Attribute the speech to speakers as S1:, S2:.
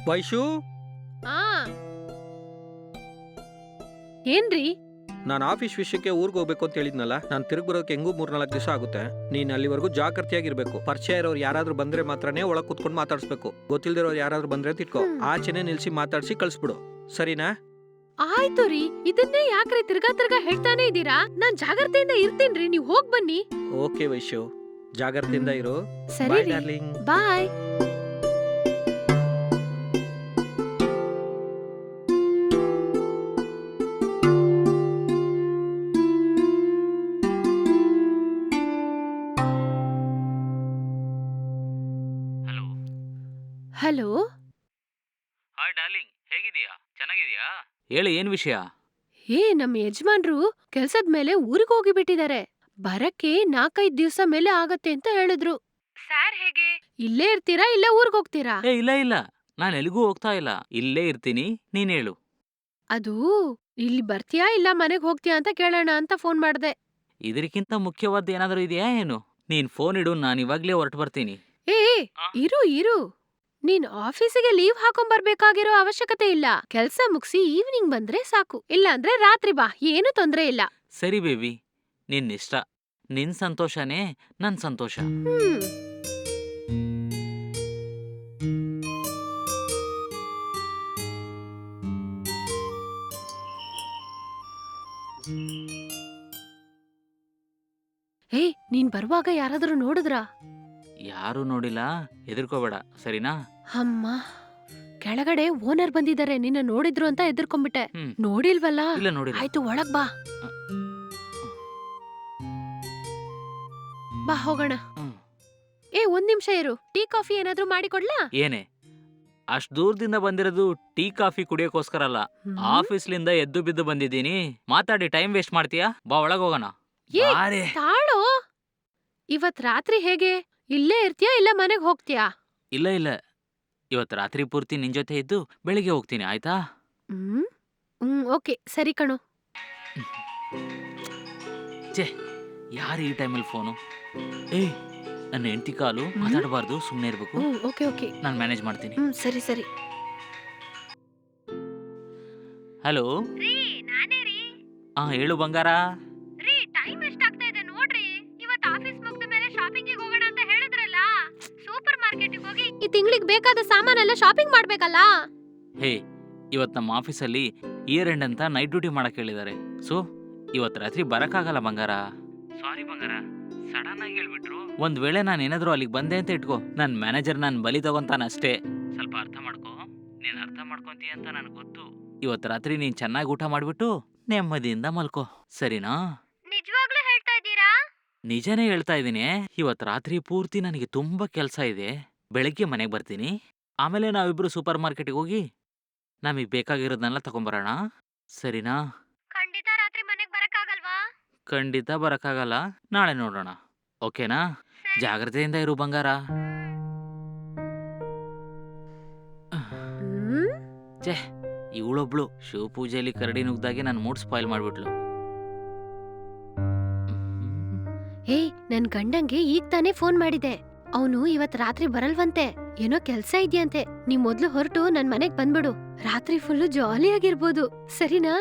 S1: ವೈಶು,
S2: ಆ ಏನ್ರಿ?
S1: ನಾನು ಆಫೀಸ್ ವಿಷಯಕ್ಕೆ ಊರಿಗೆ ಹೋಗ್ಬೇಕು ಅಂತ ಹೇಳಿದ್ನಲ್ಲ. ನಾನು ತಿರುಗಿ ಬರೋಕೆ ಹೆಂಗೂ 3-4 ದಿವಸ ಆಗುತ್ತೆ. ನೀನ್ ಅಲ್ಲಿವರೆಗೂ ಜಾಗೃತಿಯಾಗಿರ್ಬೇಕು. ಪರಿಚಯ ಇರೋರು ಯಾರಾದ್ರೂ ಬಂದ್ರೆ ಮಾತ್ರನೇ ಒಳಗ್ ಕುತ್ಕೊಂಡು ಮಾತಾಡ್ಸ್ಬೇಕು. ಗೊತ್ತಿಲ್ದಿರೋರು ಯಾರಾದ್ರೂ ಬಂದ್ರೆ ತಿಟ್ಕೋ, ಆಚೆನೆ ನಿಲ್ಸಿ ಮಾತಾಡ್ಸಿ ಕಳ್ಸ್ಬಿಡು, ಸರಿನಾ?
S2: ಆಯ್ತು ರೀ, ಇದನ್ನೇ ಯಾಕ್ರಿ ತಿರ್ಗಾ ಹೇಳ್ತಾನೆ ಇದೀರಾ? ನಾನ್ ಜಾಗ್ರತೆಯಿಂದ ಇರ್ತೀನ್ರಿ, ನೀವ್ ಹೋಗ್ ಬನ್ನಿ.
S1: ಓಕೆ ವೈಶು, ಜಾಗೃತಿಯಿಂದ ಇರು.
S2: ಸರಿ
S1: ಬಾಯ್
S2: ರೀ,
S1: darling.
S2: Bye.
S3: Hello.
S2: Hello.
S3: Hi darling, ಹೇಗಿದೀಯಾ? ಚೆನ್ನಾಗಿದೀಯಾ? ಹೇಳಿ, ಏನ್ ವಿಷಯ?
S2: ನಮ್ ಯಜಮಾನ್ರು ಕೆಲ್ಸದ ಮೇಲೆ ಊರಿಗೆ ಹೋಗಿಬಿಟ್ಟಿದ್ದಾರೆ. ಬರಕ್ಕೆ 4-5 ದಿವ್ಸ ಮೇಲೆ ಆಗತ್ತೆ ಅಂತ ಹೇಳಿದ್ರು. ಸರ್ ಹೇಗೆ? ಇಲ್ಲೇ ಇರ್ತೀರಾ ಇಲ್ಲ ಊರ್ಗ್ ಹೋಗ್ತೀರಾ?
S3: ಇಲ್ಲ, ನಾನ್ ಎಲ್ಲಿಗೂ ಹೋಗ್ತಾ ಇಲ್ಲ, ಇಲ್ಲೇ ಇರ್ತೀನಿ. ನೀನ್ ಹೇಳು.
S2: ಅದು ಇಲ್ಲಿ ಬರ್ತೀಯಾ ಇಲ್ಲ ಮನೆಗ್ ಹೋಗ್ತೀಯಾ ಅಂತ ಕೇಳೋಣ ಅಂತ ಫೋನ್ ಮಾಡ್ದೆ.
S3: ಇದಕ್ಕಿಂತ ಮುಖ್ಯವಾದ ಏನಾದರೂ ಇದೆಯಾ ಏನು? ನೀನ್ ಫೋನ್ ಇಡು, ನಾನು ಇವಾಗ್ಲೇ ಹೊರಟು ಬರ್ತೀನಿ.
S2: ಏ ಇರು. ನೀನ್ ಆಫೀಸಿಗೆ ಲೀವ್ ಹಾಕೊಂಬರ್ಬೇಕಾಗಿರೋ ಅವಶ್ಯಕತೆ ಇಲ್ಲ. ಕೆಲ್ಸ ಮುಗ್ಸಿ ಈವ್ನಿಂಗ್ ಬಂದ್ರೆ ಸಾಕು. ಇಲ್ಲ ಅಂದ್ರೆ ರಾತ್ರಿ ಬಾ, ಏನು ತೊಂದ್ರೆ ಇಲ್ಲ.
S3: ಸರಿ ಬೇಬಿ, ನಿನ್ನಿಷ್ಟ. ನಿನ್ ಸಂತೋಷನೇ ನನ್ ಸಂತೋಷ.
S2: ನೀನ್ ಬರುವಾಗ ಯಾರಾದ್ರೂ ನೋಡಿದ್ರಾ?
S3: ಯಾರು ನೋಡಿಲ್ಲ, ಹೆದರ್ಕೋಬೇಡ, ಸರಿನಾ?
S2: ಅಮ್ಮ, ಕೆಳಗಡೆ ಓನರ್ ಬಂದಿದ್ದಾರೆ, ನಿನ್ನ ನೋಡಿದ್ರು ಅಂತ ಎದುರ್ಕೊಂಡ್ಬಿಟ್ಟೆ. ನೋಡಿಲ್ವಲ್ಲ?
S3: ಇಲ್ಲ, ನೋಡಿಲ್ಲ.
S2: ಆಯ್ತು, ಒಳಗ್ ಬಾ. ಬಾ ಹೋಗೋಣ. ಒಂದ್ ನಿಮಿಷ ಇರು, ಟೀ ಕಾಫಿ ಏನಾದ್ರೂ ಮಾಡಿಕೊಡ್ಲಾ?
S3: ಏನೇ, ಅಷ್ಟ್ ದೂರದಿಂದ ಬಂದಿರೋದು ಟೀ ಕಾಫಿ ಕುಡಿಯೋಕೋಸ್ಕರ ಅಲ್ಲ, ಆಫೀಸ್ಲಿಂದ ಎದ್ದು ಬಿದ್ದು ಬಂದಿದ್ದೀನಿ. ಮಾತಾಡಿ ಟೈಮ್ ವೇಸ್ಟ್ ಮಾಡ್ತೀಯಾ? ಬಾ, ಒಳಗ್ ಹೋಗೋಣ.
S2: ತಾಳೋ, ಇವತ್ ರಾತ್ರಿ ಹೇಗೆ? ಇಲ್ಲೇ ಇರ್ತೀಯಾ ಇಲ್ಲ ಮನೆಗ್ ಹೋಗ್ತೀಯಾ?
S3: ಇಲ್ಲ, ಇವತ್ ರಾತ್ರಿ ಪೂರ್ತಿ ನಿನ್ ಜೊತೆ ಇದ್ದು ಬೆಳಿಗ್ಗೆ ಹೋಗ್ತೀನಿ, ಆಯ್ತಾ?
S2: ಓಕೆ, ಸರಿ ಕಣೋ.
S3: ಯಾರು ಈ ಟೈಮಲ್ಲಿ ಫೋನು? ನನ್ನ ಹೆಂಡತಿ ಕಾಲು, ಮಾತಾಡಬಾರ್ದು, ಸುಮ್ಮನೆ ಇರ್ಬೇಕು.
S2: ಓಕೆ,
S3: ನಾನು ಮ್ಯಾನೇಜ್ ಮಾಡ್ತೀನಿ.
S2: ಸರಿ.
S3: ಹಲೋ. ಹೇಳು ಬಂಗಾರ.
S2: ಟೈಮ್ ಎಷ್ಟಾಗ್ತಾ ಇದೆ ನೋಡ್ರಿ. ಇವತ್ತು ಆಫೀಸ್ ಮುಗ್ದ ಮೇಲೆ ಶಾಪಿಂಗಿಗೆ ಹೋಗೋಣ ಅಂತ ಹೇಳಿದ್ರಲ್ಲ, ಸೂಪರ್ ಮಾರ್ಕೆಟಿಗೆ ಹೋಗಿ ಈ ತಿಂಗಳಿಗೆ ಬೇಕಾದ ಸಾಮಾನೆಲ್ಲ ಶಾಪಿಂಗ್ ಮಾಡ್ಬೇಕಲ್ಲ.
S3: ಇವತ್ತು ನಮ್ಮ ಆಫೀಸಲ್ಲಿ ಇಯರ್ ಎಂಡ್ ಅಂತ ನೈಟ್ ಡ್ಯೂಟಿ ಮಾಡಕ್ ಹೇಳಿದ್ದಾರೆ. ಸೊ ಇವತ್ತು ರಾತ್ರಿ ಬರಕ್ಕಾಗಲ್ಲ ಬಂಗಾರ. ಸಾರಿ ಬಂಗಾರ, ಸಡನ್ ಆಗಿ ಹೇಳ್ಬಿಟ್ರು. ಒಂದ್ ವೇಳೆ ನಾನು ಏನಾದ್ರು ಅಲ್ಲಿಗೆ ಬಂದೆ ಅಂತ ಇಟ್ಕೋ, ನನ್ನ ಮ್ಯಾನೇಜರ್ ನಾನು ಬಲಿ ತಗೊಂತಾನಷ್ಟೇ. ಸ್ವಲ್ಪ ಅರ್ಥ ಮಾಡ್ಕೋ. ನೀನ್ ಅರ್ಥ ಮಾಡ್ಕೊಂತೀಯ ಅಂತ ನನಗೆ ಗೊತ್ತು. ಇವತ್ತು ರಾತ್ರಿ ನೀನ್ ಚೆನ್ನಾಗಿ ಊಟ ಮಾಡ್ಬಿಟ್ಟು ನೆಮ್ಮದಿಯಿಂದ ಮಲ್ಕೋ, ಸರಿನಾ?
S2: ನಿಜವಾಗ್ಲೂ ಹೇಳ್ತಾ ಇದ್ದೀರಾ?
S3: ನಿಜನೇ ಹೇಳ್ತಾ ಇದ್ದೀನಿ. ಇವತ್ತು ರಾತ್ರಿ ಪೂರ್ತಿ ನನಗೆ ತುಂಬಾ ಕೆಲಸ ಇದೆ. ಬೆಳಗ್ಗೆ ಮನೆಗೆ ಬರ್ತೀನಿ. ಆಮೇಲೆ ನಾವಿಬ್ರು ಸೂಪರ್ ಮಾರ್ಕೆಟ್ಗೆ ಹೋಗಿ ನಮಗೆ ಬೇಕಾಗಿರೋದನ್ನೆಲ್ಲ ತಗೊಂಬರೋಣ, ಸರಿನಾ?
S2: ಖಂಡಿತ ರಾತ್ರಿ ಮನೆಗೆ ಬರಕ್ಕಾಗಲ್ವಾ?
S3: ಖಂಡಿತ ಬರಕ್ಕಾಗಲ್ಲ, ನಾಳೆ ನೋಡೋಣ, ಓಕೆನಾ? ಜಾಗ್ರತೆಯಿಂದ ಇರು ಬಂಗಾರ. ಇವಳೊಬ್ಳು ಶಿವ ಪೂಜೆಯಲ್ಲಿ ಕರಡಿ ನುಗ್ದಾಗೆ ನನ್ನ ಮೂಡ್ ಸ್ಪಾಯ್ಲ್ ಮಾಡ್ಬಿಟ್ಲು.
S2: ನನ್ ಗಂಡಂಗೆ ಈಗ ತಾನೇ ಫೋನ್ ಮಾಡಿದೆ. ಅವನು ಇವತ್ ರಾತ್ರಿ ಬರಲ್ವಂತೆ, ಏನೋ ಕೆಲ್ಸ ಇದೆಯಂತೆ. ನೀ ಮೊದ್ಲು ಹೊರಟು ನನ್ ಮನೆಗ್ ಬಂದ್ಬಿಡು. ರಾತ್ರಿ ಫುಲ್ಲು ಜಾಲಿಯಾಗಿರ್ಬೋದು, ಸರಿನಾ?